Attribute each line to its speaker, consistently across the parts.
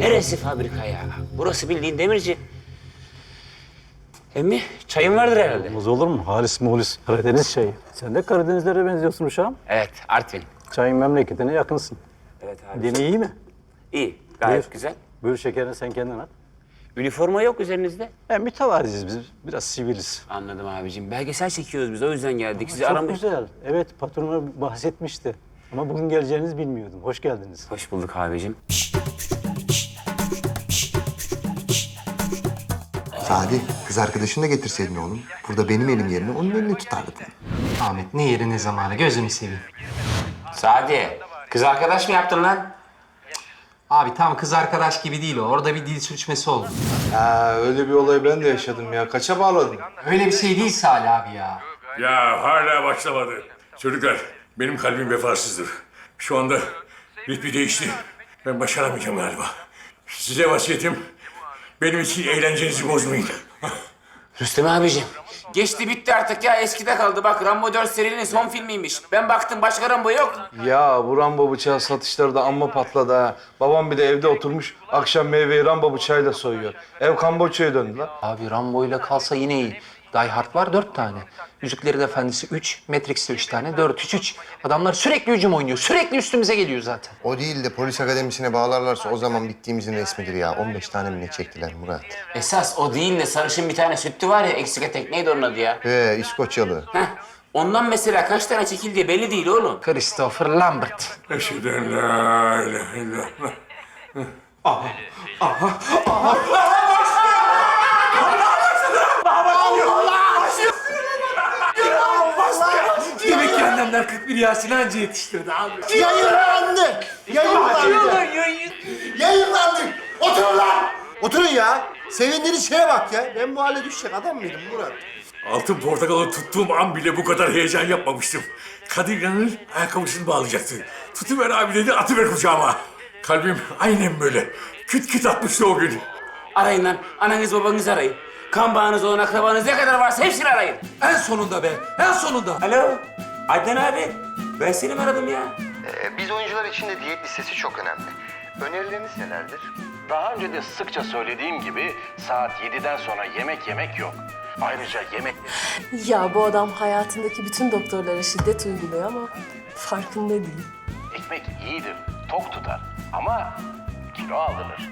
Speaker 1: Neresi fabrika ya? Burası bildiğin demirci. Emmi, çayın vardır herhalde.
Speaker 2: Olmaz olur mu? Halis mulis, Karadeniz çayı. Sen de Karadenizlere benziyorsun uşağım.
Speaker 1: Evet, Artvin.
Speaker 2: Çayın memleketine yakınsın.
Speaker 1: Evet abi.
Speaker 2: Deni iyi mi?
Speaker 1: İyi, gayet
Speaker 2: Buyur.
Speaker 1: güzel.
Speaker 2: Buyur şekerini sen kendin at.
Speaker 1: Üniforma yok üzerinizde.
Speaker 2: Mütevaziyiz biz. Biraz siviliz.
Speaker 1: Anladım abicim. Belgesel çekiyoruz biz, o yüzden geldik. Sizi
Speaker 2: Çok
Speaker 1: aramış.
Speaker 2: güzel. Evet, patronuma bahsetmişti. Ama bugün geleceğinizi bilmiyordum. Hoş geldiniz.
Speaker 1: Hoş bulduk abicim.
Speaker 3: Sadi, kız arkadaşını da getirseydin oğlum. Burada benim elim yerine onun elini tutardın.
Speaker 4: Ahmet ne yeri ne zamanı gözünü seveyim.
Speaker 1: Sadi, kız arkadaş mı yaptın lan?
Speaker 4: Abi tam kız arkadaş gibi değil o. Orada bir dil sürçmesi oldu.
Speaker 5: Ha, öyle bir olay ben de yaşadım ya. Kaça bağladın?
Speaker 4: Öyle bir şey değil Salih abi ya.
Speaker 6: Ya hala başlamadı. Çocuklar, benim kalbim vefasızdır. Şu anda ritmi değişti. Ben başaramayacağım galiba. Size vasiyetim, benim için eğlencenizi bozmayın.
Speaker 1: Rüstem abicim. Geçti bitti artık ya, eskide kaldı. Bak, Rambo 4 serinin son filmiymiş. Ben baktım, başka Rambo yok.
Speaker 5: Ya bu Rambo bıçağı satışları da amma patladı ha. Babam bir de evde oturmuş akşam meyveyi Rambo bıçağıyla soyuyor. Ev Kamboçya'ya döndü lan.
Speaker 4: Abi Rambo ile kalsa yine iyi. Die Hard var 4 tane. Yüzüklerin Efendisi 3, Matrix'te 3 tane, 4-3-3. Adamlar sürekli hücum oynuyor. Sürekli üstümüze geliyor zaten.
Speaker 3: O değil de polis akademisine bağlarlarsa o zaman bittiğimizin resmidir ya. 15 tane mi ne çektiler Murat?
Speaker 1: Esas o değil de sarışın bir tane sütlü var ya, eksik etek, neydi onun adı ya?
Speaker 3: İskoçyalı.
Speaker 1: Heh, ondan mesela kaç tane çekildiği belli değil oğlum.
Speaker 4: Christopher Lambert.
Speaker 6: Eşhedü en la ilahe illallah.
Speaker 4: Demek ki annemler 41 Yasin anca yetiştirdi abi.
Speaker 7: Yayınlandı! Yayınlandı! Yayınlandı! Oturun lan! Oturun ya! Sevindiğiniz şeye bak ya. Ben bu hale düşecek adam mıydım Murat?
Speaker 6: Altın portakalı tuttuğum an bile bu kadar heyecan yapmamıştım. Kadir İnanır ayakkabısını bağlayacaktı. Tutuver abi dedi, atıver kucağıma. Kalbim aynen böyle. Küt küt atmıştı o gün.
Speaker 1: Arayın lan, ananız babanız arayın. Kan bağınız olan akrabanız ne kadar varsa hepsini arayın.
Speaker 4: En sonunda be, en sonunda.
Speaker 1: Alo, Adnan abi. Ben seni mi aradım ya?
Speaker 3: Biz oyuncular için de diyet listesi çok önemli. Önerileriniz nelerdir?
Speaker 8: Daha önce de sıkça söylediğim gibi saat 7'den sonra yemek yok. Ayrıca yemek...
Speaker 9: Ya bu adam hayatındaki bütün doktorlara şiddet uyguluyor ama farkında değil.
Speaker 8: Ekmek iyidir, tok tutar ama kilo aldırır.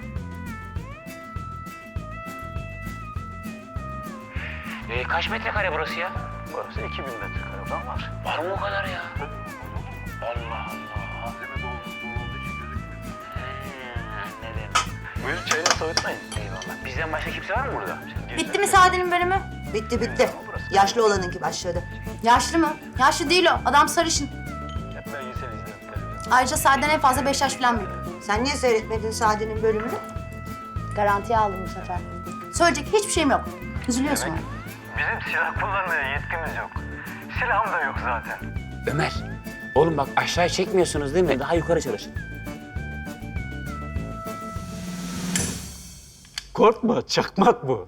Speaker 1: Kaç metrekare burası ya?
Speaker 8: Burası 2000 metrekare falan var.
Speaker 1: Var mı o kadar ya?
Speaker 8: Allah Allah. Malzeme olduğu için gözükmüyor.
Speaker 1: Anladım.
Speaker 8: Buyurun çayını soğutmayın.
Speaker 1: Eyvallah. Bizden başka kimse var mı burada?
Speaker 10: Bitti mi Sade'nin bölümü?
Speaker 7: Bitti bitti. Yaşlı olanınki başladı.
Speaker 10: Yaşlı mı? Yaşlı değil o. Adam sarışın.
Speaker 8: Hep belgesel izlerim televizyon.
Speaker 10: Ayrıca Sade'den en fazla 5 yaş falan büyük.
Speaker 7: Sen niye seyretmedin Sade'nin bölümünü?
Speaker 10: Garantiye aldım bu sefer. Söyleyecek hiçbir şeyim yok. Üzülüyorsun.
Speaker 8: Bizim silah kullanmaya yetkimiz yok. Silahım da yok zaten.
Speaker 1: Ömer, oğlum bak aşağıya çekmiyorsunuz değil mi? Daha yukarı çalışın.
Speaker 2: Korkma, çakmak bu.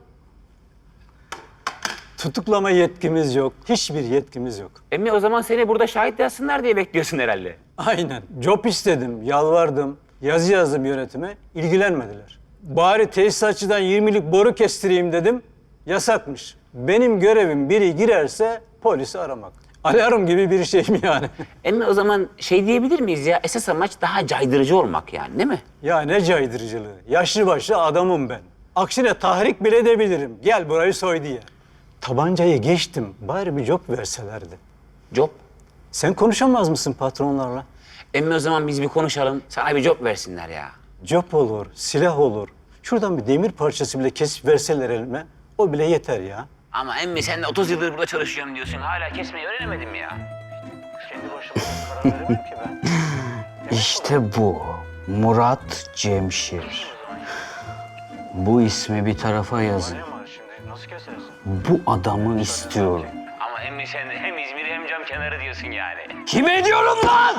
Speaker 2: Tutuklama yetkimiz yok. Hiçbir yetkimiz yok.
Speaker 1: Emmi, o zaman seni burada şahit yazsınlar diye bekliyorsun herhalde.
Speaker 2: Aynen. Job istedim, yalvardım, yazı yazdım yönetime. İlgilenmediler. Bari tesisatçıdan 20'lik boru kestireyim dedim. Yasakmış. Benim görevim biri girerse polisi aramak. Alarm gibi bir şey mi yani?
Speaker 1: Emmi, o zaman şey diyebilir miyiz ya? Esas amaç daha caydırıcı olmak yani, değil mi?
Speaker 2: Ya ne caydırıcılığı. Yaşlı başlı adamım ben. Aksine tahrik bile edebilirim. Gel burayı soy diye. Tabancayı geçtim. Bari bir job verselerdi.
Speaker 1: Job.
Speaker 2: Sen konuşamaz mısın patronlarla?
Speaker 1: Emmi, o zaman biz bir konuşalım. Sana bir job versinler ya.
Speaker 2: Job olur, silah olur. Şuradan bir demir parçası bile kesip verseler elime. O bile yeter ya.
Speaker 1: Ama emmi, sen de 30 yıldır burada çalışıyorum diyorsun. Hala kesmeyi öğrenemedin mi ya?
Speaker 8: Kendi başıma karar veremem ki ben.
Speaker 11: İşte bu. Murat Cemşir. Bu ismi bir tarafa yazın.
Speaker 8: Ne var şimdi? Nasıl kesersin?
Speaker 11: Bu adamı istiyorum.
Speaker 1: Ama emmi, sen hem İzmir hem cam kenarı diyorsun yani.
Speaker 11: Kime diyorum lan?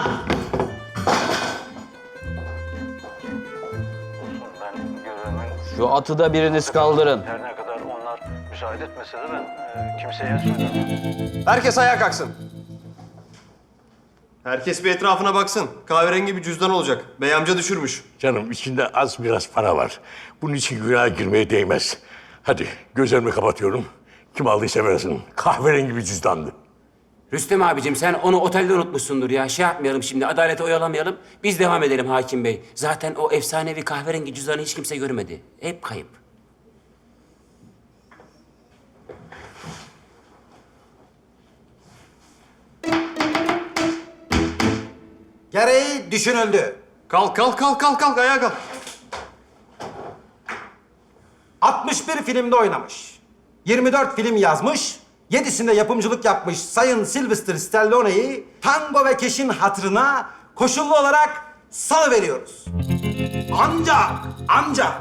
Speaker 8: Olsun ben görevimi...
Speaker 11: Şu atı da biriniz kaldırın.
Speaker 8: Her ne kadar onlar müsaade etmese de ben kimseye söylemem.
Speaker 4: Herkes ayağa kalksın.
Speaker 7: Herkes bir etrafına baksın. Kahverengi bir cüzdan olacak. Bey amca düşürmüş.
Speaker 6: Canım içinde az biraz para var. Bunun için günaha girmeye değmez. Hadi gözlerimi kapatıyorum. Kim aldıysa versin. Kahverengi bir cüzdandı.
Speaker 1: Rüstem abicim sen onu otelde unutmuşsundur ya. Şey yapmayalım şimdi, adalete oyalamayalım. Biz devam edelim hakim bey. Zaten o efsanevi kahverengi cüzdanı hiç kimse görmedi. Hep kayıp.
Speaker 7: Gereği düşünüldü. Kalk ayağa kalk. 61 filmde oynamış. 24 film yazmış. 7'sinde yapımcılık yapmış Sayın Sylvester Stallone'yi Tango ve Cash'in hatırına koşullu olarak salıveriyoruz. Ancak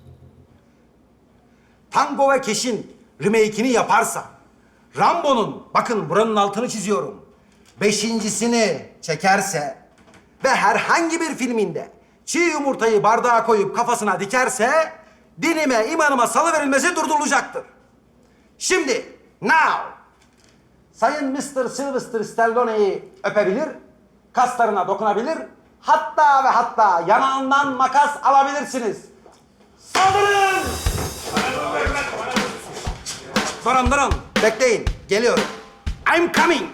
Speaker 7: Tango ve Cash'in remake'ini yaparsa Rambo'nun, bakın buranın altını çiziyorum, 5.'sini çekerse ve herhangi bir filminde çiğ yumurtayı bardağa koyup kafasına dikerse dinime, imanıma salıverilmesi durdurulacaktır. Şimdi, now, Sayın Mr. Sylvester Stallone'yi öpebilir, kaslarına dokunabilir, hatta ve hatta yanağından makas alabilirsiniz. Saldırın! Durun, bekleyin, geliyorum. I'm coming.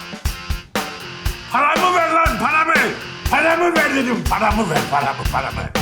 Speaker 6: Paramı ver lan, paramı! Paramı ver dedim, paramı ver, paramı.